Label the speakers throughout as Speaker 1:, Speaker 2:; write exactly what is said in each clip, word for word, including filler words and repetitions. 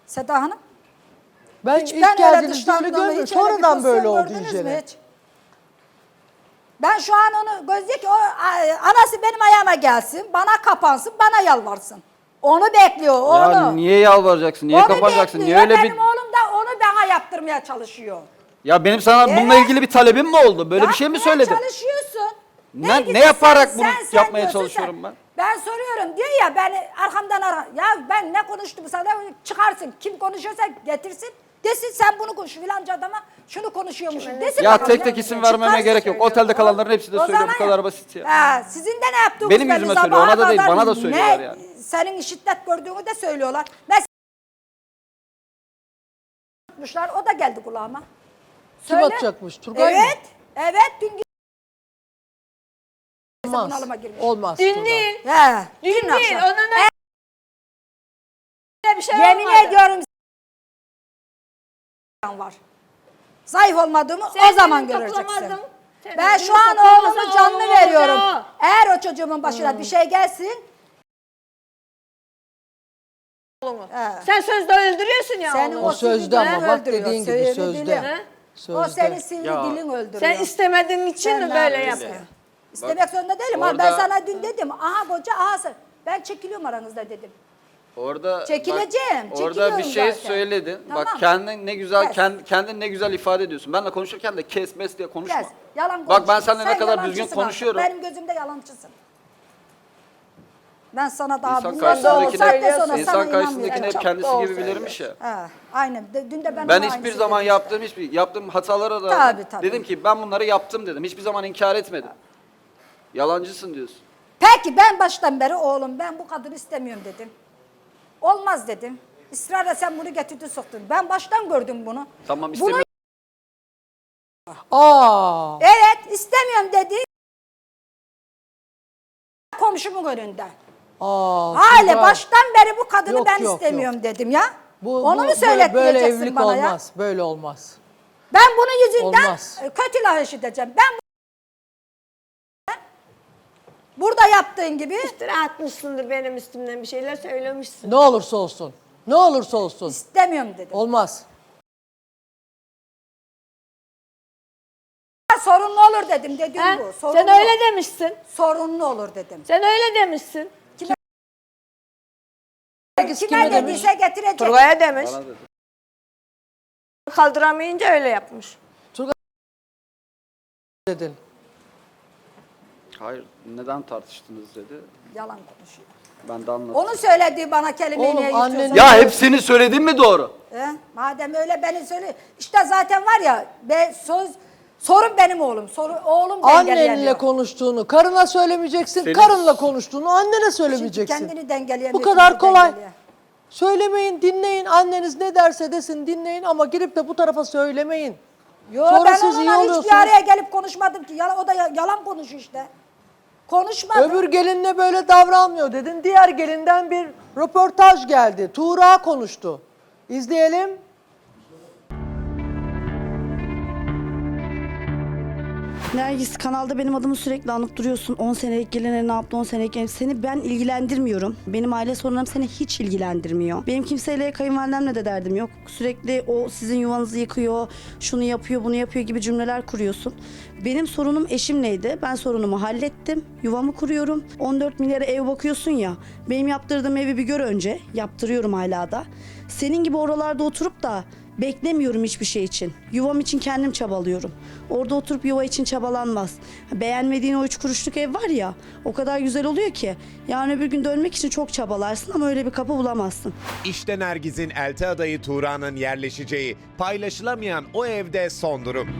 Speaker 1: Seda Hanım.
Speaker 2: Ben
Speaker 1: Hiç
Speaker 2: ilk
Speaker 1: ben öyle
Speaker 2: geldiğinizde öyle
Speaker 1: dışlandığımı,
Speaker 2: görmedim.
Speaker 1: hiç öyle bir
Speaker 2: Sonradan böyle
Speaker 1: pozisyon
Speaker 2: oldu
Speaker 1: gördünüz mü
Speaker 2: iyicene.
Speaker 1: hiç? Ben şu an onu gözlüyor ki o a- anası benim ayağıma gelsin, bana kapansın, bana yalvarsın. Onu bekliyor, onu.
Speaker 3: Ya niye yalvaracaksın? Niye
Speaker 1: Onu
Speaker 3: kapanacaksın? Niye
Speaker 1: bekliyor.
Speaker 3: öyle
Speaker 1: Benim
Speaker 3: bir...
Speaker 1: oğlum da onu bana yaptırmaya çalışıyor.
Speaker 3: Ya benim sana bununla
Speaker 1: Evet.
Speaker 3: ilgili bir talebim mi oldu? Böyle bir şey mi
Speaker 1: Yapmaya
Speaker 3: söyledim?
Speaker 1: çalışıyorsun.
Speaker 3: Ne-
Speaker 1: Belki
Speaker 3: ne
Speaker 1: de
Speaker 3: yaparak bunu yapmaya
Speaker 1: diyorsun,
Speaker 3: çalışıyorum ben?
Speaker 1: Ben soruyorum diyor ya ben arkamdan ara. Ya ben ne konuştum sana çıkarsın. Kim konuşuyorsa getirsin. Desin sen bunu konuş filanca adama şunu konuşuyormuşsun. Desin
Speaker 3: Ya
Speaker 1: bakalım
Speaker 3: tek
Speaker 1: ne
Speaker 3: tek
Speaker 1: diyecek.
Speaker 3: isim vermeme
Speaker 1: Çıkarsın.
Speaker 3: gerek yok. Otelde kalanların hepsi de
Speaker 1: O
Speaker 3: söylüyor. Bu
Speaker 1: zaman
Speaker 3: kadar
Speaker 1: ya.
Speaker 3: basit ya.
Speaker 1: Ha, sizin de ne yaptığınız
Speaker 3: Benim
Speaker 1: belli,
Speaker 3: yüzüme söylüyor,
Speaker 1: sabaha
Speaker 3: ona da değil,
Speaker 1: kadar
Speaker 3: bana da söylüyorlar
Speaker 1: ne,
Speaker 3: yani.
Speaker 1: Senin şiddet gördüğünü de söylüyorlar. Mesela tutmuşlar, o da geldi kulağıma.
Speaker 2: Kim
Speaker 1: Söyle.
Speaker 2: atacakmış? Turgay mı?
Speaker 1: Evet, evet dün
Speaker 2: Olmaz.
Speaker 1: bunalıma girmiş.
Speaker 2: Olmaz.
Speaker 4: Dün
Speaker 2: Turgay.
Speaker 4: değil.
Speaker 1: He,
Speaker 4: Dün
Speaker 1: dün
Speaker 4: değil.
Speaker 1: akşam.
Speaker 4: Onun öyle bir şey
Speaker 1: Yemin
Speaker 4: olmadı.
Speaker 1: ediyorum var. Zayıf olmadığımı
Speaker 4: Sen
Speaker 1: o zaman
Speaker 4: beni
Speaker 1: göreceksin.
Speaker 4: toplamadın. Sen
Speaker 1: Ben
Speaker 4: beni
Speaker 1: şu an
Speaker 4: toplamazsan
Speaker 1: oğlumu canlı
Speaker 4: oğlum
Speaker 1: veriyorum.
Speaker 4: olacak.
Speaker 1: Eğer o çocuğumun başına bir şey gelsin, he,
Speaker 4: Sen sözde öldürüyorsun ya
Speaker 1: senin
Speaker 4: onu.
Speaker 2: O
Speaker 1: o sivri
Speaker 2: sözde
Speaker 1: dilin
Speaker 2: ama bak
Speaker 1: öldürüyor,
Speaker 2: dediğin gibi
Speaker 1: sivri
Speaker 2: sözde.
Speaker 1: dilin.
Speaker 4: He?
Speaker 1: O
Speaker 2: Sözde.
Speaker 1: senin sivri
Speaker 3: Ya,
Speaker 1: dilin öldürüyor.
Speaker 4: Sen istemediğin için
Speaker 1: Sen
Speaker 4: mi
Speaker 1: ne
Speaker 4: böyle
Speaker 1: yapıyorsun?
Speaker 4: yapıyor?
Speaker 1: İstemek zorunda değilim. Ama ben
Speaker 3: orada-
Speaker 1: sana dün dedim. Aha koca aha sen. Ben çekiliyorum aranızda dedim.
Speaker 3: Orada
Speaker 1: Çekileceğim,
Speaker 3: bak, orada bir
Speaker 1: çekiliyorum
Speaker 3: şey
Speaker 1: zaten.
Speaker 3: söyledin.
Speaker 1: Tamam.
Speaker 3: Bak kendin ne güzel
Speaker 1: Kes.
Speaker 3: kend, kendin ne güzel ifade ediyorsun. Benle konuşurken de kes mes diye konuşma.
Speaker 1: Kes. Yalan
Speaker 3: Bak ben
Speaker 1: konuşuyorsun.
Speaker 3: seninle ne
Speaker 1: Sen
Speaker 3: kadar
Speaker 1: yalancısın
Speaker 3: düzgün
Speaker 1: artık.
Speaker 3: konuşuyorum.
Speaker 1: Benim gözümde yalancısın. Ben sana daha
Speaker 3: İnsan
Speaker 1: bundan sonra
Speaker 3: karşısındakini,
Speaker 1: saatte sonra sana
Speaker 3: insan karşısındakini
Speaker 1: inanmıyorum.
Speaker 3: hep
Speaker 4: Çok
Speaker 3: kendisi
Speaker 4: doğru
Speaker 3: gibi bilirmiş ya.
Speaker 1: He, aynen. De- Dün de ben
Speaker 3: Ben
Speaker 1: ona
Speaker 3: hiçbir
Speaker 1: aynısını
Speaker 3: zaman
Speaker 1: dedim
Speaker 3: yaptığım hiçbir yaptığım hatalara da
Speaker 1: Tabii, tabii.
Speaker 3: dedim ki ben bunları yaptım dedim. Hiçbir zaman inkar etmedim. Yalancısın diyorsun.
Speaker 1: Peki ben baştan beri oğlum ben bu kadını istemiyorum dedim. Olmaz dedim. İsrarla sen bunu getirdin soktun. Ben baştan gördüm bunu.
Speaker 3: Tamam
Speaker 1: Bunu
Speaker 3: istemiyorum.
Speaker 2: Aa.
Speaker 1: evet istemiyorum dedi. Komşumun önünde.
Speaker 2: Aa.
Speaker 1: Hale
Speaker 2: Turgay.
Speaker 1: baştan beri bu kadını
Speaker 2: Yok,
Speaker 1: ben
Speaker 2: yok,
Speaker 1: istemiyorum dedim ya.
Speaker 2: Bu,
Speaker 1: Onu
Speaker 2: bu-
Speaker 1: mu
Speaker 2: böyle-
Speaker 1: söyletmeyeceksin
Speaker 2: Böyle evlilik
Speaker 1: bana ya?
Speaker 2: olmaz. Böyle olmaz.
Speaker 1: Ben bunun yüzünden
Speaker 2: Olmaz.
Speaker 1: kötü laf işiteceğim. Ben bu- burada yaptığın gibi
Speaker 4: İftira atmışsındır benim üstümden bir şeyler söylemişsin.
Speaker 2: Ne olursa olsun. Ne olursa olsun.
Speaker 1: istemiyorum dedim.
Speaker 2: Olmaz.
Speaker 1: Sorunlu olur dedim dediğim
Speaker 4: Ha?
Speaker 1: bu. Sorunlu.
Speaker 4: Sen öyle demişsin.
Speaker 1: Sorunlu olur dedim.
Speaker 4: Sen öyle demişsin.
Speaker 2: Herkes
Speaker 1: Kime
Speaker 2: kime demiş?
Speaker 1: dediyse getirecek.
Speaker 4: Turgay'a demiş.
Speaker 3: Bana dedi.
Speaker 4: Kaldıramayınca öyle yapmış.
Speaker 2: Dedin.
Speaker 3: Hayır neden tartıştınız dedi.
Speaker 1: Yalan konuşuyor.
Speaker 3: Ben de anlattım.
Speaker 1: Onun söylediği bana kelimeyi
Speaker 2: Oğlum,
Speaker 1: niye
Speaker 2: annenin-
Speaker 1: yutuyorsun?
Speaker 3: Ya hepsini söyledin mi doğru?
Speaker 1: He? Madem öyle beni söyle. İşte zaten var ya be, söz sorun benim oğlum. Soru, oğlum dengeleyemiyor.
Speaker 2: Annenle konuştuğunu karına söylemeyeceksin.
Speaker 3: Senin-
Speaker 2: Karınla konuştuğunu annene
Speaker 1: Şimdi
Speaker 2: söylemeyeceksin.
Speaker 1: kendini dengeleyemiyor.
Speaker 2: Bu kadar
Speaker 1: şimdi
Speaker 2: kolay.
Speaker 1: dengeliyor.
Speaker 2: Söylemeyin, dinleyin. Anneniz ne derse desin dinleyin ama girip de bu tarafa söylemeyin.
Speaker 1: Yo
Speaker 2: Sonra
Speaker 1: ben
Speaker 2: siz iyi
Speaker 1: onunla hiçbir
Speaker 2: oluyorsunuz.
Speaker 1: araya gelip konuşmadım ki. Yalan, o da ya- yalan konuşuyor işte. Konuşmadım.
Speaker 2: Öbür gelinle böyle davranmıyor dedin. Diğer gelinden bir röportaj geldi. Tuğra konuştu. İzleyelim.
Speaker 5: Nergis kanalda benim adımı sürekli anıp duruyorsun. on senelik geline ne yaptı, on senelik gelin. Seni ben ilgilendirmiyorum. Benim aile sorunlarım seni hiç ilgilendirmiyor. Benim kimseyle, kayınvalidemle de derdim yok. Sürekli o sizin yuvanızı yıkıyor, şunu yapıyor, bunu yapıyor gibi cümleler kuruyorsun. Benim sorunum eşimleydi. Ben sorunumu hallettim. Yuvamı kuruyorum. on dört milyara ev bakıyorsun ya. Benim yaptırdığım evi bir gör önce. Yaptırıyorum hala da. Senin gibi oralarda oturup da beklemiyorum hiçbir şey için. Yuvam için kendim çabalıyorum. Orada oturup yuva için çabalanmaz. Beğenmediğin o üç kuruşluk ev var ya, o kadar güzel oluyor ki. Yarın öbür gün dönmek için çok çabalarsın ama öyle bir kapı bulamazsın.
Speaker 6: İşte Nergiz'in elti adayı Tuğra'nın yerleşeceği, paylaşılamayan o evde son durum.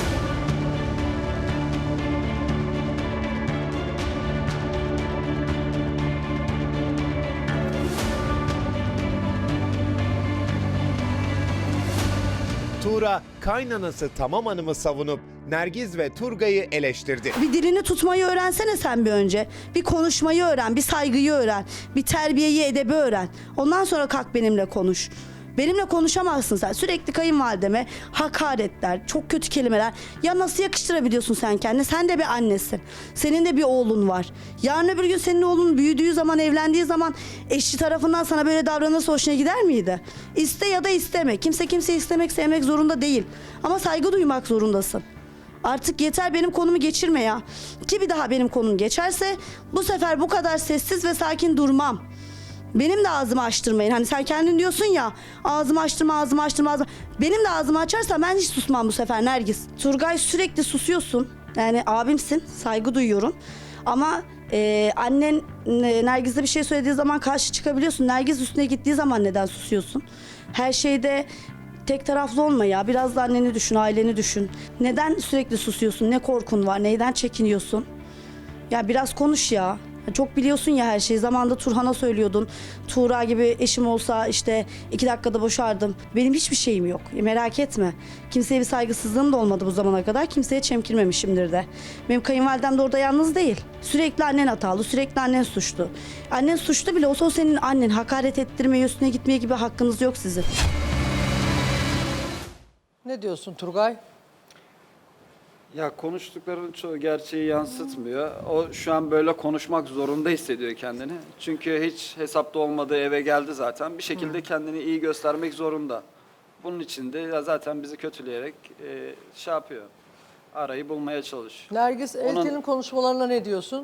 Speaker 6: Tuğra, kaynanası Tamam Hanım'ı savunup Nergiz ve Turgay'ı eleştirdi.
Speaker 5: Bir dilini tutmayı öğrensene sen bir önce. Bir konuşmayı öğren, bir saygıyı öğren, bir terbiyeyi, edebi öğren. Ondan sonra kalk benimle konuş. Benimle konuşamazsın sen. Sürekli kayınvalideme hakaretler, çok kötü kelimeler. Ya nasıl yakıştırabiliyorsun sen kendini? Sen de bir annesin. Senin de bir oğlun var. Yarın öbür gün senin oğlun büyüdüğü zaman, evlendiği zaman eşi tarafından sana böyle davranırsa hoşuna gider miydi? İste ya da isteme. Kimse kimseyi istemek, sevmek zorunda değil. Ama saygı duymak zorundasın. Artık yeter, benim konumu geçirme ya. Ki bir daha benim konum geçerse bu sefer bu kadar sessiz ve sakin durmam. Benim de ağzımı açtırmayın. Hani sen kendin diyorsun ya, ağzımı açtırma, ağzımı açtırma, ağzımı... Benim de ağzımı açarsa ben hiç susmam bu sefer Nergis. Turgay, sürekli susuyorsun. Yani abimsin, saygı duyuyorum. Ama e, annen e, Nergis'e bir şey söylediği zaman karşı çıkabiliyorsun. Nergis üstüne gittiği zaman neden susuyorsun? Her şeyde tek taraflı olma ya. Biraz da anneni düşün, aileni düşün. Neden sürekli susuyorsun? Ne korkun var? Neyden çekiniyorsun? Ya biraz konuş ya. Çok biliyorsun ya her şeyi. Zamanında Turhan'a söylüyordun. Tuğra gibi eşim olsa işte iki dakikada boşardım. Benim hiçbir şeyim yok. E, merak etme. Kimseye bir saygısızlığım da olmadı bu zamana kadar. Kimseye çemkirmemişimdir de. Benim kayınvalidem de orada yalnız değil. Sürekli annen hatalı, sürekli annen suçlu. Annen suçlu bile olsa o senin annen. Hakaret ettirmeye, üstüne gitmeye gibi hakkınız yok sizin.
Speaker 2: Ne diyorsun Turgay?
Speaker 3: Ya konuştuklarının çoğu gerçeği yansıtmıyor. O şu an böyle konuşmak zorunda hissediyor kendini. Çünkü hiç hesapta olmadığı eve geldi zaten. Bir şekilde kendini iyi göstermek zorunda. Bunun için de ya zaten bizi kötüleyerek e, şey yapıyor. Arayı bulmaya çalışıyor.
Speaker 2: Nergis,
Speaker 3: Onun-
Speaker 2: Elti'nin konuşmalarına ne diyorsun?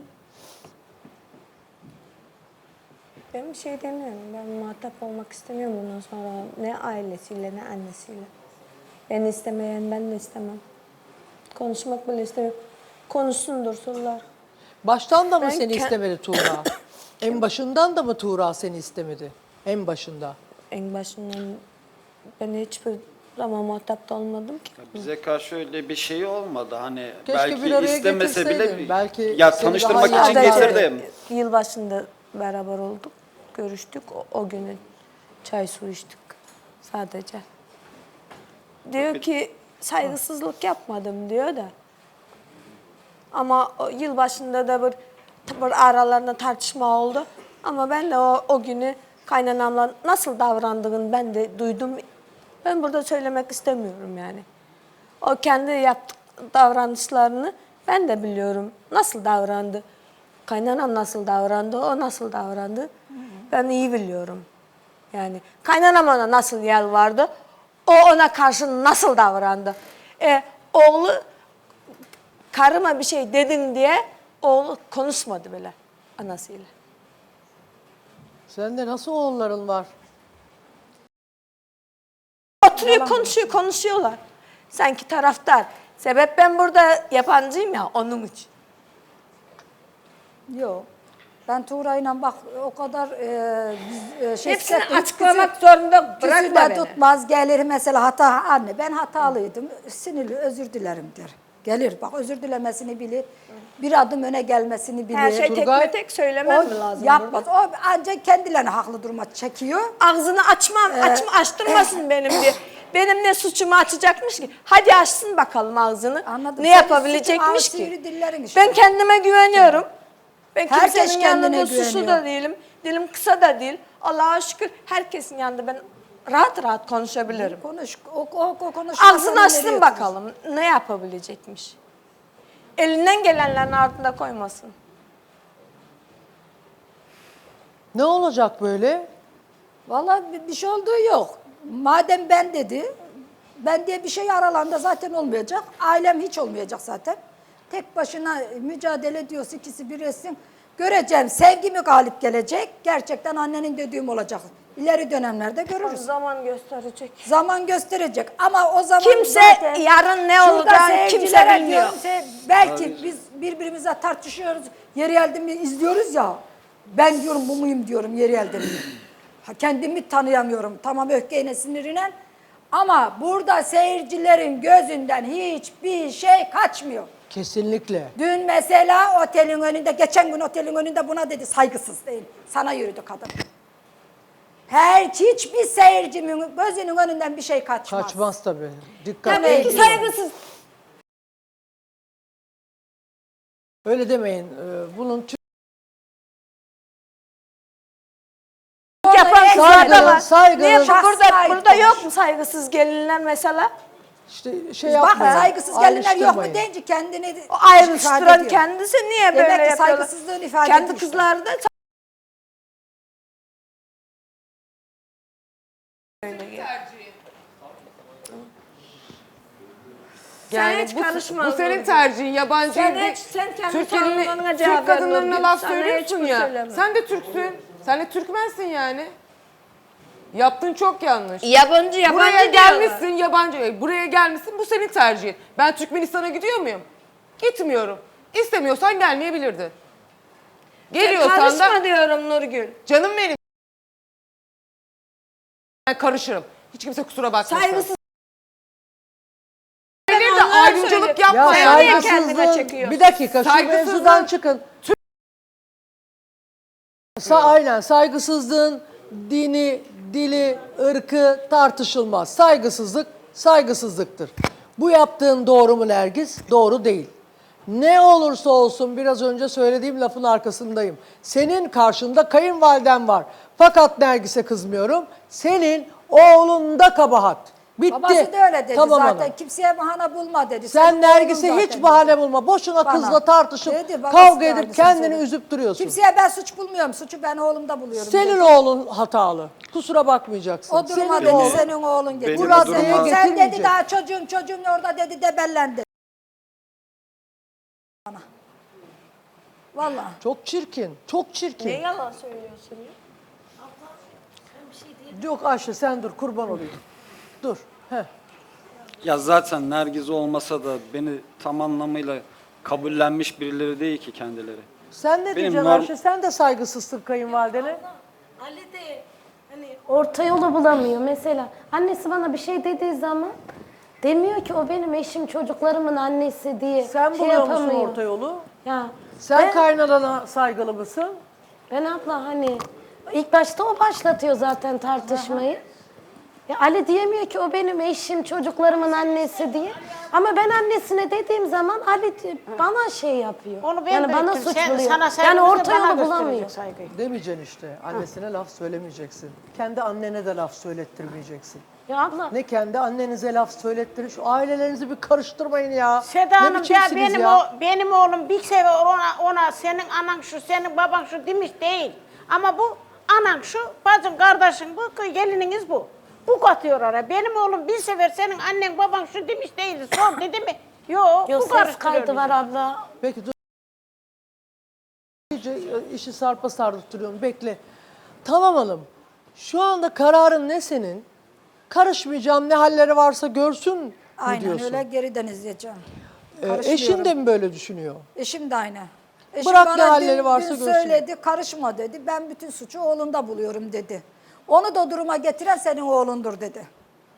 Speaker 4: Ben bir şey demiyorum. Ben muhatap olmak istemiyorum bundan sonra. Ne ailesiyle ne annesiyle. Beni istemeyen ben de istemem. Konuşmak bile istemiyorum. Konuşsun dursunlar.
Speaker 2: Baştan da mı
Speaker 4: Ben
Speaker 2: seni
Speaker 4: ke-
Speaker 2: istemedi Tuğra? En başından da mı Tuğra seni istemedi? En başında.
Speaker 4: En başından ben hiçbir zaman muhatap da olmadım ki.
Speaker 3: Bize karşı öyle bir şey olmadı. Hani
Speaker 2: Keşke
Speaker 3: belki
Speaker 2: bir araya
Speaker 3: istemese bile
Speaker 2: getirseydin. Belki
Speaker 3: ya
Speaker 2: seni
Speaker 3: tanıştırmak
Speaker 2: daha iyi
Speaker 3: için
Speaker 2: anlardı.
Speaker 3: getirdim.
Speaker 4: Yılbaşında beraber olduk. Görüştük. O, o günü çay su içtik sadece. Diyor ki saygısızlık yapmadım diyor da. Ama o yılbaşında da bir, bir aralarında tartışma oldu. Ama ben de o, o günü kaynanamla nasıl davrandığını ben de duydum. Ben burada söylemek istemiyorum yani. O kendi yaptık davranışlarını ben de biliyorum. Nasıl davrandı? Kaynanam nasıl davrandı? O nasıl davrandı? Ben iyi biliyorum. Yani kaynanam ona nasıl yalvardı? O ona karşı nasıl davrandı? E, oğlu karıma bir şey dedin diye oğlu konuşmadı bile anasıyla.
Speaker 2: Sende nasıl oğulların var?
Speaker 4: Oturuyor konuşuyor konuşuyorlar. Sanki taraftar. Sebep ben burada yabancıyım ya onun için.
Speaker 1: Yok. Ben Tuğra'yla bak o kadar e, biz, e, şey
Speaker 4: Hepsini
Speaker 1: hissettim.
Speaker 4: açıklamak zorunda bırakma
Speaker 1: Küsüle
Speaker 4: beni.
Speaker 1: tutmaz gelir mesela hata anne ben hatalıydım sinirli özür dilerim der. Gelir bak özür dilemesini bilir. Bir adım öne gelmesini bilir.
Speaker 4: Her şey
Speaker 2: Turgay,
Speaker 4: tekme tek söylemem
Speaker 1: o
Speaker 4: mi lazım?
Speaker 1: yapmaz. O ancak kendilerine haklı durma çekiyor.
Speaker 4: Ağzını açmam, açma, açtırmasın benim diye. Benim ne suçumu açacakmış ki? Hadi açsın bakalım ağzını.
Speaker 1: Anladım.
Speaker 4: Ne
Speaker 1: Senin
Speaker 4: yapabilecekmiş
Speaker 1: suçun ağır sivri
Speaker 4: ki?
Speaker 1: dillerin işte.
Speaker 4: Ben kendime güveniyorum. Ben
Speaker 1: Herkes
Speaker 4: kimsenin
Speaker 1: kendine
Speaker 4: yanında suçlu
Speaker 1: güveniyor.
Speaker 4: da değilim. Dilim kısa da değil. Allah'a şükür herkesin yanında ben rahat rahat konuşabilirim.
Speaker 1: Konuş. O, o, o konuşma
Speaker 4: Ağzını
Speaker 1: sana
Speaker 4: açsın
Speaker 1: nereye
Speaker 4: bakalım ne yapabilecekmiş. Elinden gelenlerin ardında koymasın.
Speaker 2: Ne olacak böyle?
Speaker 1: Vallahi bir, bir şey olduğu yok. Madem ben dedi, ben diye bir şey aralarında zaten olmayacak. Ailem hiç olmayacak zaten. Tek başına mücadele ediyorsa ikisi bir etsin. Göreceğim sevgi mi galip gelecek? Gerçekten annenin dediğim olacak. İleri dönemlerde görürüz.
Speaker 4: Zaman gösterecek.
Speaker 1: Zaman gösterecek ama o zaman
Speaker 4: Kimse
Speaker 1: zaten
Speaker 4: yarın ne
Speaker 1: şurada
Speaker 4: olacağını kimse
Speaker 1: seyircilere
Speaker 4: bilmiyor.
Speaker 1: diyorum, se- belki biz birbirimize tartışıyoruz. Yeri geldi mi izliyoruz ya. Ben diyorum bu muyum diyorum yeri geldi mi. Ha, kendimi tanıyamıyorum. Tamam öfkeyle sinirine. Ama burada seyircilerin gözünden hiçbir şey kaçmıyor.
Speaker 2: Kesinlikle.
Speaker 1: Dün mesela otelin önünde, geçen gün otelin önünde buna dedi saygısız değil. Sana yürüdü kadın. Her hiçbir seyircimin gözünün önünden bir şey kaçmaz.
Speaker 2: Kaçmaz tabii. Dikkat
Speaker 4: Tabii ki
Speaker 2: edin.
Speaker 4: saygısız.
Speaker 2: Öyle demeyin. Ee, Bunun tüm
Speaker 4: Yapan
Speaker 1: Saygı,
Speaker 4: kızlar da var.
Speaker 2: saygı.
Speaker 4: Niye burada,
Speaker 1: Şahs
Speaker 4: burada yok mu saygısız gelinler mesela?
Speaker 2: İşte şey
Speaker 1: Bak
Speaker 2: yapmayın.
Speaker 1: saygısız gelinler yok mu
Speaker 2: ayrıştırmayın.
Speaker 1: deyince kendini
Speaker 4: O
Speaker 1: ifade
Speaker 4: ayrıştıran
Speaker 1: ediyor.
Speaker 4: kendisi niye
Speaker 1: Demek
Speaker 4: böyle
Speaker 1: ki
Speaker 4: yapıyorlar?
Speaker 1: saygısızlığını ifade
Speaker 4: Kendi
Speaker 1: ediyor işte.
Speaker 4: kızları da
Speaker 7: Yani
Speaker 4: Sen hiç
Speaker 7: bu,
Speaker 4: karışma
Speaker 7: bu senin
Speaker 4: Nurgül.
Speaker 7: tercihin. Yabancı
Speaker 4: Sen
Speaker 7: değil.
Speaker 4: hiç- sen kendi
Speaker 7: Türk,
Speaker 4: savunmanına
Speaker 7: elini-
Speaker 4: cevap
Speaker 7: Türk
Speaker 4: ver
Speaker 7: kadınlarına
Speaker 4: Nurgül.
Speaker 7: laf
Speaker 4: Sana
Speaker 7: söylüyorsun
Speaker 4: hiçbir
Speaker 7: ya.
Speaker 4: söyleme.
Speaker 7: Sen de Türksün. Sen de Türkmensin yani. Yaptığın çok yanlış.
Speaker 4: Yabancı yabancı
Speaker 7: Buraya
Speaker 4: diyorlar.
Speaker 7: gelmişsin yabancı. Buraya gelmişsin bu senin tercihin. Ben Türkmenistan'a gidiyor muyum? Gitmiyorum. İstemiyorsan gelmeyebilirdin. Geliyorsan
Speaker 4: Karışma
Speaker 7: da
Speaker 4: diyorum Nurgül.
Speaker 7: canım benim. Ben karışırım. Hiç kimse kusura bakmasın.
Speaker 4: Saygısız.
Speaker 7: Gelir de
Speaker 4: Onlar
Speaker 7: ayrımcılık
Speaker 4: söylüyor.
Speaker 2: Ya
Speaker 7: yapma
Speaker 4: Sen niye
Speaker 7: yani.
Speaker 4: kendine
Speaker 2: saygısızlığın,
Speaker 4: çekiyorsun?
Speaker 2: bir dakika şu
Speaker 7: Saygısızlığın-
Speaker 2: mevzudan çıkın. Sa aynen saygısızlığın dini, dili, ırkı tartışılmaz. Saygısızlık saygısızlıktır. Bu yaptığın doğru mu Nergis? Doğru değil. Ne olursa olsun biraz önce söylediğim lafın arkasındayım. Senin karşında kayınvaliden var. Fakat Nergis'e kızmıyorum. Senin oğlunda kabahat. Bitti.
Speaker 1: Babası da öyle dedi
Speaker 2: Tamam
Speaker 1: zaten.
Speaker 2: hanım.
Speaker 1: Kimseye bahane bulma dedi.
Speaker 2: Sen
Speaker 1: Senin
Speaker 2: Nergis'e
Speaker 1: oğlun
Speaker 2: hiç
Speaker 1: zaten
Speaker 2: bahane
Speaker 1: dedi.
Speaker 2: bulma. Boşuna
Speaker 1: Bana.
Speaker 2: kızla tartışıp
Speaker 1: Dedi, babası
Speaker 2: kavga
Speaker 1: da
Speaker 2: edip
Speaker 1: aynısını
Speaker 2: kendini
Speaker 1: söyledi.
Speaker 2: üzüp duruyorsun.
Speaker 1: Kimseye ben suç bulmuyorum. Suçu ben oğlumda buluyorum.
Speaker 2: Senin
Speaker 1: dedi.
Speaker 2: oğlun hatalı. Kusura bakmayacaksın.
Speaker 1: O duruma
Speaker 2: Senin
Speaker 1: dedi
Speaker 2: oğlun-
Speaker 1: senin oğlun getirdi.
Speaker 3: Benim
Speaker 2: Bu
Speaker 3: o
Speaker 2: raddeye
Speaker 3: duruma-
Speaker 1: Sen dedi
Speaker 2: getirmeyecek.
Speaker 1: daha çocuğun çocuğun orada dedi debellendi. Bana. Vallahi.
Speaker 2: Çok çirkin. Çok çirkin.
Speaker 4: Ne yalan söylüyorsun ya?
Speaker 2: Yok Ayşe sen dur kurban olayım. Dur. Heh.
Speaker 3: Ya zaten Nergiz olmasa da beni tam anlamıyla kabullenmiş birileri değil ki kendileri.
Speaker 2: Sen ne
Speaker 3: Benim
Speaker 2: diyeceksin
Speaker 3: norm-
Speaker 2: Ayşe? Sen de saygısızsın kayınvalidene.
Speaker 8: Ali de hani orta yolu bulamıyor mesela. Annesi bana bir şey dediği zaman demiyor ki o benim eşim çocuklarımın annesi diye
Speaker 2: Sen
Speaker 8: şey
Speaker 2: buluyor musun
Speaker 8: yapamıyor.
Speaker 2: orta yolu?
Speaker 8: Ya
Speaker 2: Sen
Speaker 8: ben,
Speaker 2: kaynanana saygılı mısın?
Speaker 8: ben abla hani ilk başta o başlatıyor zaten tartışmayı. Ya Ali diyemiyor ki o benim eşim çocuklarımın annesi diye. Ama ben annesine dediğim zaman Ali di- bana şey yapıyor.
Speaker 9: Onu ben
Speaker 8: yani
Speaker 9: de
Speaker 8: bana
Speaker 9: ettim.
Speaker 8: suç
Speaker 9: Sen-
Speaker 8: buluyor.
Speaker 9: sana
Speaker 8: Yani
Speaker 9: saygımızı
Speaker 8: orta
Speaker 9: bana
Speaker 8: yolu
Speaker 9: gösterecek
Speaker 8: bulamıyor.
Speaker 9: saygıyı.
Speaker 2: Demeyeceksin işte. Annesine laf söylemeyeceksin. Kendi annene de laf söylettirmeyeceksin.
Speaker 8: Ya abla
Speaker 2: Ne kendi annenize laf söylettirin. Şu ailelerinizi bir karıştırmayın ya.
Speaker 9: Seda
Speaker 2: Ne
Speaker 9: Hanım ya
Speaker 2: biçimsiniz
Speaker 9: benim
Speaker 2: ya?
Speaker 9: o benim oğlum bir sefer ona ona senin anan şu senin baban şu demiş değil. Ama bu anan şu bacın kardeşin bu gelininiz bu. Bu katıyor oraya. Benim oğlum bir sefer senin annen baban şu demiş değildi. Sor dedi mi? Yok
Speaker 8: Yok
Speaker 9: bu
Speaker 8: ses
Speaker 9: karıştırıyor
Speaker 8: kaydı
Speaker 9: bizi.
Speaker 8: var abla.
Speaker 2: Peki dur. İyice e, işi sarpa sardırtıyorsun. Bekle. Tamam hanım. Şu anda kararın ne senin? Karışmayacağım ne halleri varsa görsün mü
Speaker 1: Aynen
Speaker 2: diyorsun?
Speaker 1: öyle geriden izleyeceğim.
Speaker 2: Ee,
Speaker 1: Karışmıyorum.
Speaker 2: eşin de mi böyle düşünüyor?
Speaker 1: Eşim de aynı. Eşim
Speaker 2: Bırak
Speaker 1: bana
Speaker 2: ne halleri
Speaker 1: dün,
Speaker 2: varsa
Speaker 1: dün
Speaker 2: görsün.
Speaker 1: söyledi, karışma dedi. Ben bütün suçu oğlunda buluyorum dedi. Onu da duruma getiren senin oğlundur dedi.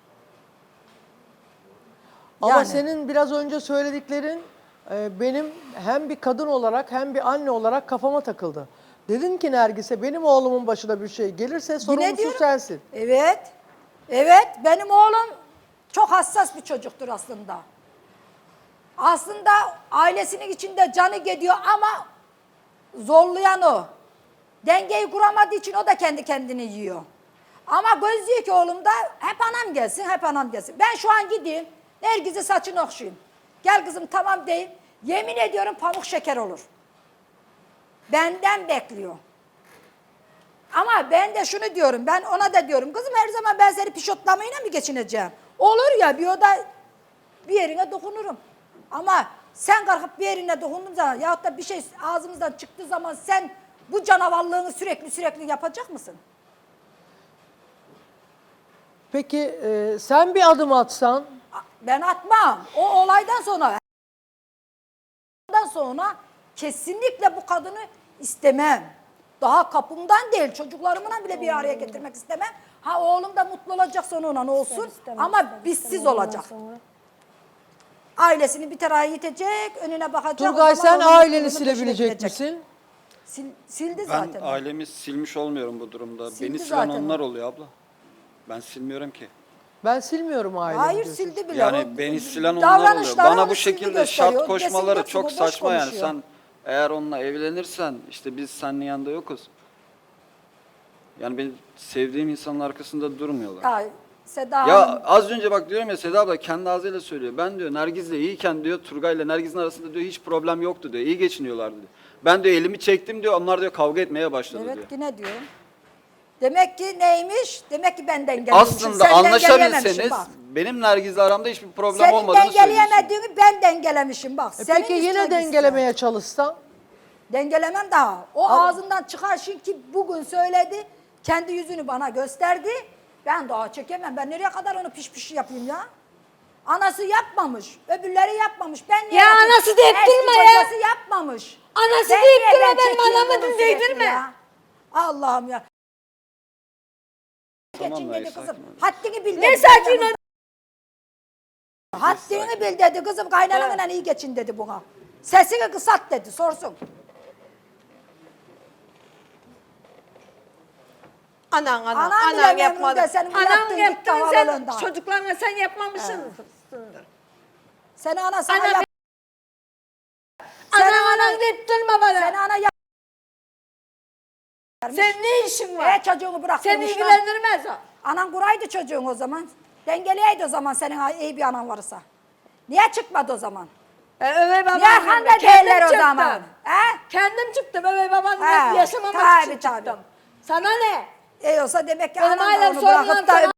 Speaker 2: Ama
Speaker 1: Yani.
Speaker 2: senin biraz önce söylediklerin e, benim hem bir kadın olarak hem bir anne olarak kafama takıldı. Dedin ki Nergis'e benim oğlumun başına bir şey gelirse
Speaker 1: Yine
Speaker 2: sorumlusu
Speaker 1: diyorum.
Speaker 2: sensin.
Speaker 1: Evet. Evet. Benim oğlum çok hassas bir çocuktur aslında. Aslında ailesinin içinde canı gidiyor ama zorlayan o. Dengeyi kuramadığı için o da kendi kendini yiyor. Ama göz diyor ki oğlum da hep anam gelsin, hep anam gelsin. Ben şu an gideyim, Nergiz'in saçını okşayayım. Gel kızım tamam deyim. Yemin ediyorum pamuk şeker olur. Benden bekliyor. Ama ben de şunu diyorum, ben ona da diyorum, kızım her zaman ben seni pişotlamayla mı geçineceğim? Olur ya bir oda bir yerine dokunurum. Ama sen kalkıp bir yerine dokunduğun zaman yahut da bir şey ağzımızdan çıktığı zaman sen bu canavarlığını sürekli sürekli yapacak mısın?
Speaker 2: Peki e, sen bir adım atsan
Speaker 1: Ben atmam. O olaydan sonra ondan sonra kesinlikle bu kadını istemem. Daha kapımdan değil çocuklarımla bile bir araya getirmek istemem. Ha oğlum da mutlu olacak sonra ona ne olsun ama bizsiz olacak. Ailesini bir tarafa yitecek, önüne bakacak.
Speaker 2: Turgay
Speaker 1: o zaman
Speaker 2: sen
Speaker 1: onun
Speaker 2: aileni
Speaker 1: mutluluğunun peşine
Speaker 2: silebilecek
Speaker 1: gidecek.
Speaker 2: misin?
Speaker 1: Sil- sildi
Speaker 3: Ben
Speaker 1: zaten. o.
Speaker 3: ailemi silmiş olmuyorum bu durumda.
Speaker 1: Sildi
Speaker 3: Beni silen
Speaker 1: zaten o.
Speaker 3: onlar oluyor abla. Ben silmiyorum ki.
Speaker 2: Ben silmiyorum ailemi.
Speaker 1: Hayır
Speaker 2: diyorsun.
Speaker 1: sildi bile.
Speaker 3: Yani
Speaker 1: O-
Speaker 3: beni silen onlar oluyor.
Speaker 1: davranışları
Speaker 3: Bana
Speaker 1: onu
Speaker 3: bu
Speaker 1: sildi
Speaker 3: şekilde
Speaker 1: gösteriyor.
Speaker 3: şart koşmaları
Speaker 1: Desin
Speaker 3: çok
Speaker 1: yoksa bu boş
Speaker 3: saçma yani.
Speaker 1: konuşuyor.
Speaker 3: Sen eğer onunla evlenirsen işte biz senin yanında yokuz. Yani benim sevdiğim insanın arkasında durmuyorlar.
Speaker 1: Ya, Seda
Speaker 3: Ya
Speaker 1: Hanım.
Speaker 3: az önce bak diyorum ya, Seda abla kendi ağzıyla söylüyor. Ben diyor Nergiz'le iyiyken diyor Turgay'la Nergiz'in arasında diyor hiç problem yoktu diyor. İyi geçiniyorlardı diyor. Ben diyor elimi çektim diyor, onlar diyor kavga etmeye başladı
Speaker 1: Evet
Speaker 3: diyor.
Speaker 1: yine diyor. Demek ki neymiş? Demek ki ben dengelemişim.
Speaker 3: Aslında
Speaker 1: Sen dengeleyememişsin
Speaker 3: anlaşabilseniz
Speaker 1: bak.
Speaker 3: benim Nergiz'le aramda hiçbir problem
Speaker 1: Senin
Speaker 3: olmadığını söylüyorsun.
Speaker 1: dengeleyemediğini ben dengelemişim bak.
Speaker 2: E
Speaker 1: Senin
Speaker 2: peki yine
Speaker 1: isteğin
Speaker 2: dengelemeye çalışsan?
Speaker 1: Dengelemem daha. O ağzından çıkan şey ki bugün söyledi. Kendi yüzünü bana gösterdi. Ben daha çekemem. Ben nereye kadar onu piş piş yapayım ya? Anası yapmamış. Öbürleri yapmamış. Ben niye
Speaker 4: Ya
Speaker 1: yapayım?
Speaker 4: anası deyip
Speaker 1: Eski
Speaker 4: durma ya.
Speaker 1: kocası yapmamış.
Speaker 4: Anası
Speaker 1: Ben
Speaker 4: deyip
Speaker 1: niye
Speaker 4: durma,
Speaker 1: ben
Speaker 4: benim
Speaker 1: çekeyim
Speaker 4: anamı
Speaker 1: bunu sürekli
Speaker 4: dinleydirme.
Speaker 1: ya? Allah'ım ya.
Speaker 3: Tamam
Speaker 1: Geçin
Speaker 3: dayı,
Speaker 1: dedi kızım.
Speaker 3: sakin ol.
Speaker 1: Haddini bil dedi.
Speaker 4: Ne sakin ol.
Speaker 1: Haddini bil dedi kızım. Kaynananla iyi geçin dedi buna. Sesini kısalt dedi. Sorsun.
Speaker 7: Anan anan
Speaker 1: Anan
Speaker 7: anan,
Speaker 1: bile memnun
Speaker 7: yapmadı.
Speaker 1: de senin bu
Speaker 7: Anan
Speaker 1: yaptığın
Speaker 7: yaptın
Speaker 1: git
Speaker 7: sen
Speaker 1: davalılığından.
Speaker 7: çocuklarına sen yapmamışsındır.
Speaker 1: Seni ana sana
Speaker 7: Ana
Speaker 1: yap.
Speaker 4: Anan anan deyip durma bana.
Speaker 1: Seni ana yap.
Speaker 4: Senin ne işin var?
Speaker 1: E çocuğunu bırak.
Speaker 4: Seni
Speaker 1: konuşma.
Speaker 4: ilgilendirmez o.
Speaker 1: Anan kuraydı çocuğun o zaman. Dengeleyeydi o zaman senin iyi bir anan varsa. Niye çıkmadı o zaman?
Speaker 4: Ben övey babam
Speaker 1: Niye
Speaker 4: gibi
Speaker 1: arkanda
Speaker 4: kendim
Speaker 1: değiller o
Speaker 4: çıktım.
Speaker 1: zaman? He?
Speaker 4: Kendim çıktım övey babam
Speaker 1: He,
Speaker 4: gibi yaşamamak
Speaker 1: tabii,
Speaker 4: için
Speaker 1: tabii.
Speaker 4: çıktım. Sana ne?
Speaker 1: E olsa demek ki
Speaker 4: Benim
Speaker 1: anan da
Speaker 4: ailem
Speaker 1: onu
Speaker 4: sorunlar
Speaker 1: bırakıp da...
Speaker 4: sana-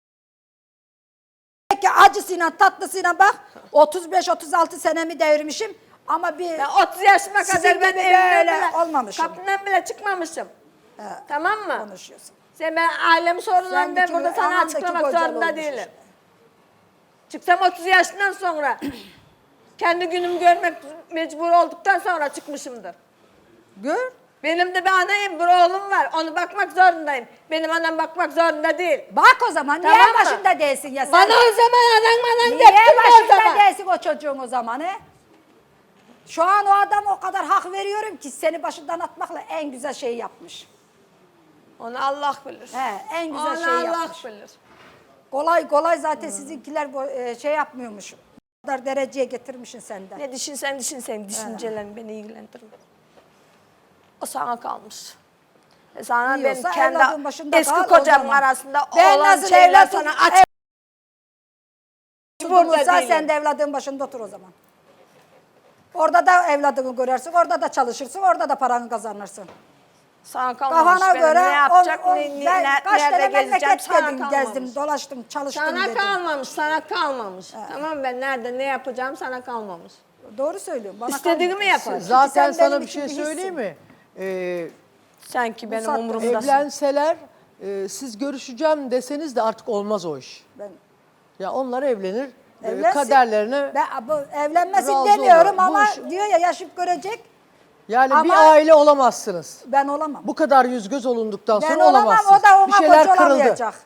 Speaker 1: Demek ki acısıyla tatlısıyla bak otuz beş otuz altı senemi devirmişim ama bir...
Speaker 4: Ben otuz yaşıma
Speaker 1: Sizin
Speaker 4: kadar ben
Speaker 1: gibi
Speaker 4: evimden
Speaker 1: böyle
Speaker 4: bile,
Speaker 1: olmamışım.
Speaker 4: kapından bile çıkmamışım. Tamam mı?
Speaker 1: konuşuyorsun.
Speaker 4: Sen ben ailemi sorunlarını ben
Speaker 1: Sendeki
Speaker 4: burada sana
Speaker 1: anandaki
Speaker 4: açıklamak
Speaker 1: kocan
Speaker 4: zorunda
Speaker 1: olmuş
Speaker 4: değilim.
Speaker 1: işte.
Speaker 4: Çıksam otuz yaşından sonra kendi günümü görmek mecbur olduktan sonra çıkmışımdır.
Speaker 1: Gör.
Speaker 4: Benim de bir anayım, bir oğlum var. Onu bakmak zorundayım. Benim anam bakmak zorunda değil.
Speaker 1: Bak o zaman niye
Speaker 4: Tamam mı?
Speaker 1: başında değilsin ya sen?
Speaker 4: Bana o zaman anan anan
Speaker 1: Niye
Speaker 4: getirme o
Speaker 1: başında
Speaker 4: zaman.
Speaker 1: değilsin o çocuğun o zaman he? Şu an o adam o kadar hak veriyorum ki seni başından atmakla en güzel şeyi yapmış.
Speaker 4: Onu Allah bilir.
Speaker 1: He, en güzel
Speaker 4: Onu
Speaker 1: şeyi
Speaker 4: Allah
Speaker 1: yapmış.
Speaker 4: bilir.
Speaker 1: Kolay kolay zaten sizinkiler bu, e, şey yapmıyormuş. O kadar dereceye getirmişsin senden.
Speaker 4: Ne düşünsen düşün senin düşüncelerin beni ilgilendirmez. O sana kalmış. E sana
Speaker 1: İyi
Speaker 4: benim
Speaker 1: olsa
Speaker 4: kendi
Speaker 1: evladın başında
Speaker 4: eski
Speaker 1: kal, o
Speaker 4: kocamın
Speaker 1: zaman.
Speaker 4: arasında
Speaker 1: Ben
Speaker 4: olan
Speaker 1: nasıl
Speaker 4: şeyler
Speaker 1: evladım-
Speaker 4: sana aç.
Speaker 1: Burada
Speaker 4: Burada
Speaker 1: sen
Speaker 4: değilim.
Speaker 1: de evladın başında otur o zaman. Orada da evladını görürsün, orada da çalışırsın, orada da paranı kazanırsın.
Speaker 4: Sana kalmamış.
Speaker 1: Kafana
Speaker 4: Benim
Speaker 1: göre
Speaker 4: ne yapacak,
Speaker 1: on- on-
Speaker 4: ne, ne,
Speaker 1: ben
Speaker 4: ne-
Speaker 1: kaç
Speaker 4: nerede
Speaker 1: tane
Speaker 4: gezeceğim
Speaker 1: memleket
Speaker 4: sana
Speaker 1: dedim,
Speaker 4: kalmamış.
Speaker 1: gezdim, dolaştım, çalıştım
Speaker 4: Sana
Speaker 1: dedim.
Speaker 4: kalmamış, sana kalmamış. Tamam ben nerede ne yapacağım sana kalmamış.
Speaker 1: Doğru söylüyorum. Bana
Speaker 4: İstediğimi
Speaker 1: kalmadı.
Speaker 4: yaparım.
Speaker 1: Çünkü
Speaker 2: Zaten
Speaker 1: sen
Speaker 2: sana
Speaker 1: benim
Speaker 2: bir
Speaker 1: için
Speaker 2: şey
Speaker 1: hissin.
Speaker 2: söyleyeyim mi? Ee,
Speaker 4: Sanki benim
Speaker 1: saatte
Speaker 4: umurumdasın.
Speaker 2: evlenseler e, siz görüşeceğim deseniz de artık olmaz o iş.
Speaker 1: Ben
Speaker 2: Ya onlar evlenir, e,
Speaker 1: evlensin.
Speaker 2: kaderlerine
Speaker 1: Ben bu evlenmesin
Speaker 2: razı
Speaker 1: demiyorum
Speaker 2: olur.
Speaker 1: ama
Speaker 2: Bu iş-
Speaker 1: diyor ya yaşıp görecek.
Speaker 2: yani
Speaker 1: Ama-
Speaker 2: bir aile olamazsınız.
Speaker 1: Ben olamam.
Speaker 2: Bu kadar yüz göz olunduktan
Speaker 1: Ben
Speaker 2: sonra
Speaker 1: olamam,
Speaker 2: olamazsınız.
Speaker 1: o da ona
Speaker 2: bir şeyler
Speaker 1: koca
Speaker 2: kırıldı.
Speaker 1: olamayacak.